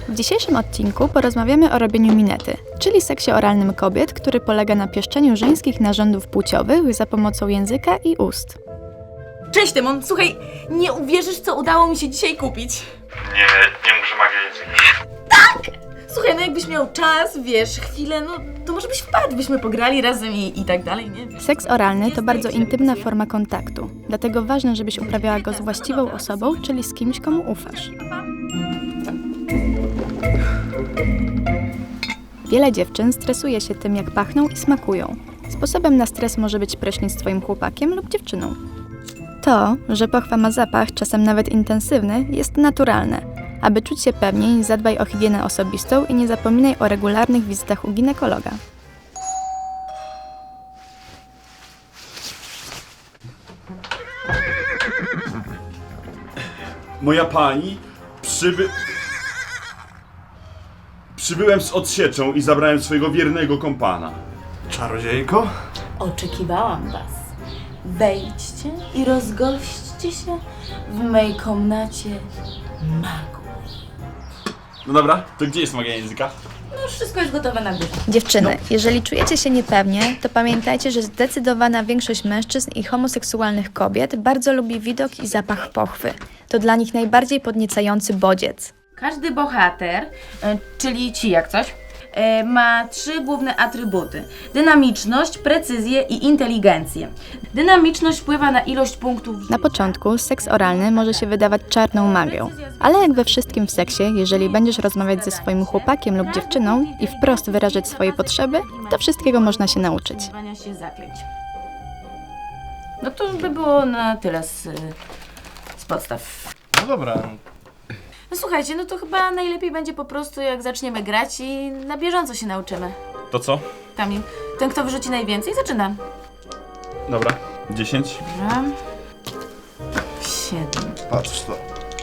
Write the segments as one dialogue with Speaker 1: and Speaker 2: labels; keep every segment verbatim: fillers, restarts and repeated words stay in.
Speaker 1: W dzisiejszym odcinku porozmawiamy o robieniu minety, czyli seksie oralnym kobiet, który polega na pieszczeniu żeńskich narządów płciowych za pomocą języka i ust.
Speaker 2: Cześć Tymon, słuchaj, nie uwierzysz, co udało mi się dzisiaj kupić.
Speaker 3: Nie, nie muszę magia języka.
Speaker 2: Tak! Słuchaj, no jakbyś miał czas, wiesz, chwilę, no to może byś wpadł, byśmy pograli razem i, i tak dalej, nie?
Speaker 1: Seks oralny to bardzo intymna forma kontaktu, dlatego ważne, żebyś uprawiała go z właściwą osobą, czyli z kimś, komu ufasz. Wiele dziewczyn stresuje się tym, jak pachną i smakują. Sposobem na stres może być prysznic z twoim chłopakiem lub dziewczyną. To, że pochwa ma zapach, czasem nawet intensywny, jest naturalne. Aby czuć się pewniej, zadbaj o higienę osobistą i nie zapominaj o regularnych wizytach u ginekologa.
Speaker 4: Moja pani, przyby... Przybyłem z odsieczą i zabrałem swojego wiernego kompana.
Speaker 3: Czarodziejko?
Speaker 2: Oczekiwałam was. Wejdźcie i rozgośćcie się w mojej komnacie magu.
Speaker 4: No dobra, to gdzie jest magia języka?
Speaker 2: No już wszystko jest gotowe na górze.
Speaker 1: Dziewczyny, jeżeli czujecie się niepewnie, to pamiętajcie, że zdecydowana większość mężczyzn i homoseksualnych kobiet bardzo lubi widok i zapach pochwy. To dla nich najbardziej podniecający bodziec.
Speaker 2: Każdy bohater, e, czyli ci jak coś, e, ma trzy główne atrybuty. Dynamiczność, precyzję i inteligencję. Dynamiczność wpływa na ilość punktów.
Speaker 1: Na początku seks oralny może się wydawać czarną magią, ale jak we wszystkim w seksie, jeżeli będziesz rozmawiać ze swoim chłopakiem lub dziewczyną i wprost wyrażać swoje potrzeby, to wszystkiego można się nauczyć.
Speaker 2: Używania się zaklęć. No to by było na tyle z, z podstaw.
Speaker 3: No dobra.
Speaker 2: No słuchajcie, no to chyba najlepiej będzie po prostu jak zaczniemy grać i na bieżąco się nauczymy.
Speaker 4: To co?
Speaker 2: Kamil, ten kto wyrzuci najwięcej zaczyna.
Speaker 4: Dobra, dziesięć.
Speaker 2: Dobra. Siedem.
Speaker 3: Patrz to.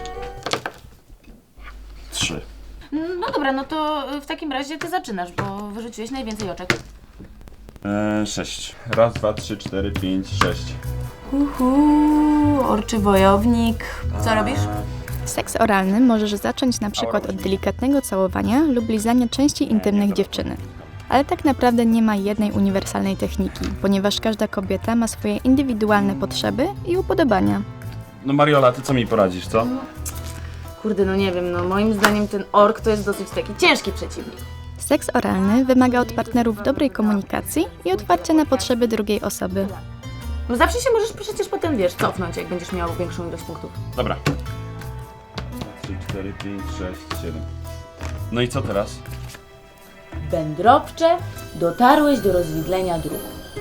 Speaker 4: Trzy.
Speaker 2: No dobra, no to w takim razie ty zaczynasz, bo wyrzuciłeś najwięcej oczek.
Speaker 4: Eee, sześć. Raz, dwa, trzy, cztery, pięć, sześć.
Speaker 2: Uhu, orczy wojownik. Co robisz?
Speaker 1: Seks oralny możesz zacząć na przykład od delikatnego całowania lub lizania części intymnych dziewczyny. Ale tak naprawdę nie ma jednej uniwersalnej techniki, ponieważ każda kobieta ma swoje indywidualne potrzeby i upodobania.
Speaker 4: No Mariola, ty co mi poradzisz, co?
Speaker 2: Kurde, no nie wiem, no moim zdaniem ten ork to jest dosyć taki ciężki przeciwnik.
Speaker 1: Seks oralny wymaga od partnerów dobrej komunikacji i otwarcia na potrzeby drugiej osoby.
Speaker 2: No zawsze się możesz przecież potem, wiesz, cofnąć, jak będziesz miał większą ilość punktów.
Speaker 4: Dobra. trzy, cztery, pięć, sześć, siedem. No i co teraz?
Speaker 2: Wędrowcze, dotarłeś do rozwidlenia dróg.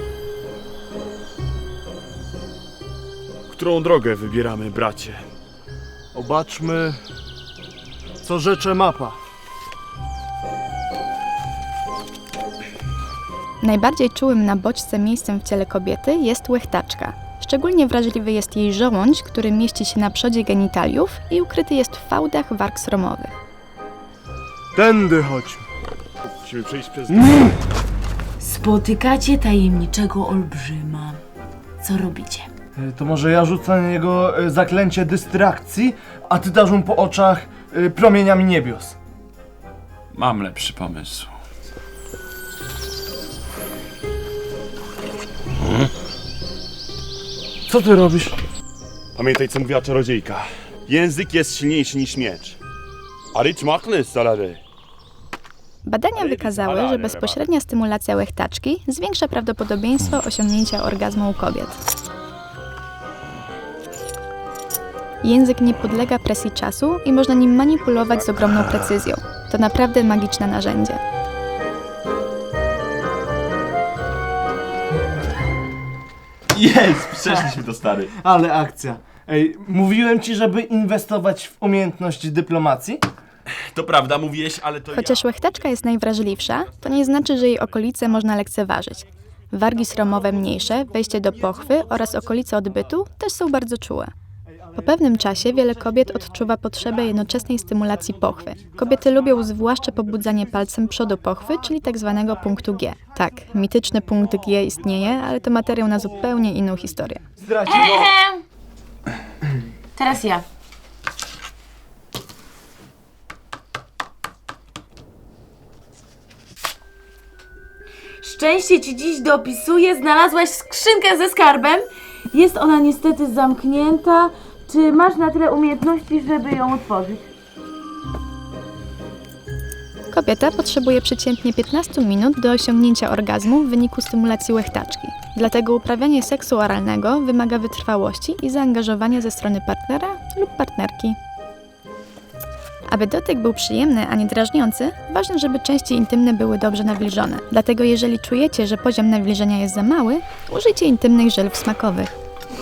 Speaker 5: Którą drogę wybieramy, bracie?
Speaker 3: Obaczmy, co rzecze mapa.
Speaker 1: Najbardziej czułym na bodźce miejscem w ciele kobiety jest łechtaczka. Szczególnie wrażliwy jest jej żołądź, który mieści się na przodzie genitaliów i ukryty jest w fałdach warg sromowych.
Speaker 3: Tędy chodźmy.
Speaker 5: Musimy przejść przez...
Speaker 2: Spotykacie tajemniczego olbrzyma. Co robicie?
Speaker 6: E, To może ja rzucę na niego e, zaklęcie dystrakcji, a ty dasz mu po oczach e, promieniami niebios.
Speaker 4: Mam lepszy pomysł.
Speaker 6: Co ty robisz?
Speaker 5: Pamiętaj, co mówiła czarodziejka. Język jest silniejszy niż miecz. A rich machny, salary.
Speaker 1: Badania wykazały, że bezpośrednia stymulacja łechtaczki zwiększa prawdopodobieństwo osiągnięcia orgazmu u kobiet. Język nie podlega presji czasu i można nim manipulować z ogromną precyzją. To naprawdę magiczne narzędzie.
Speaker 4: Jest! Przeszliśmy to, stary.
Speaker 6: Ale akcja. Ej, mówiłem ci, żeby inwestować w umiejętności dyplomacji?
Speaker 4: To prawda, mówiłeś, ale to
Speaker 1: Chociaż
Speaker 4: ja.
Speaker 1: łechtaczka jest najwrażliwsza, to nie znaczy, że jej okolice można lekceważyć. Wargi sromowe mniejsze, wejście do pochwy oraz okolice odbytu też są bardzo czułe. Po pewnym czasie wiele kobiet odczuwa potrzebę jednoczesnej stymulacji pochwy. Kobiety lubią zwłaszcza pobudzanie palcem przodu pochwy, czyli tak zwanego punktu G. Tak, mityczny punkt G istnieje, ale to materiał na zupełnie inną historię.
Speaker 6: Zdradził.
Speaker 2: Teraz ja. szczęście ci dziś dopisuje. Znalazłaś skrzynkę ze skarbem. Jest ona niestety zamknięta. Czy masz na tyle umiejętności, żeby ją otworzyć?
Speaker 1: Kobieta potrzebuje przeciętnie piętnaście minut do osiągnięcia orgazmu w wyniku stymulacji łechtaczki. Dlatego uprawianie seksu oralnego wymaga wytrwałości i zaangażowania ze strony partnera lub partnerki. Aby dotyk był przyjemny, a nie drażniący, ważne, żeby części intymne były dobrze nawilżone. Dlatego jeżeli czujecie, że poziom nawilżenia jest za mały, użyjcie intymnych żelów smakowych.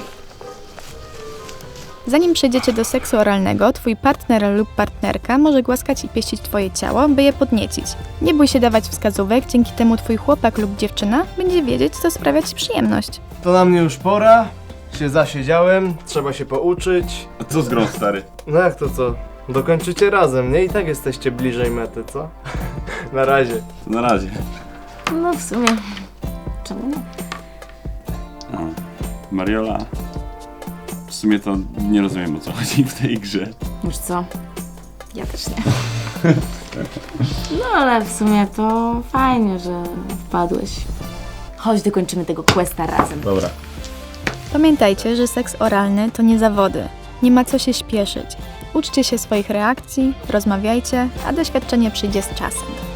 Speaker 1: Zanim przejdziecie do seksu oralnego, twój partner lub partnerka może głaskać i pieścić twoje ciało, by je podniecić. Nie bój się dawać wskazówek, dzięki temu twój chłopak lub dziewczyna będzie wiedzieć, co sprawia ci przyjemność.
Speaker 6: To na mnie już pora. Się zasiedziałem, trzeba się pouczyć.
Speaker 4: A co z grą, stary?
Speaker 6: No jak to co? Dokończycie razem, nie? I tak jesteście bliżej mety, co? Na razie.
Speaker 4: To na razie.
Speaker 2: No w sumie. Czemu nie?
Speaker 4: A, Mariola. W sumie to nie rozumiem, o co chodzi w tej grze.
Speaker 2: Już co? Ja też nie. No ale w sumie to fajnie, że wpadłeś. Chodź, dokończymy tego questa razem.
Speaker 4: Dobra.
Speaker 1: Pamiętajcie, że seks oralny to nie zawody. Nie ma co się śpieszyć. Uczcie się swoich reakcji, rozmawiajcie, a doświadczenie przyjdzie z czasem.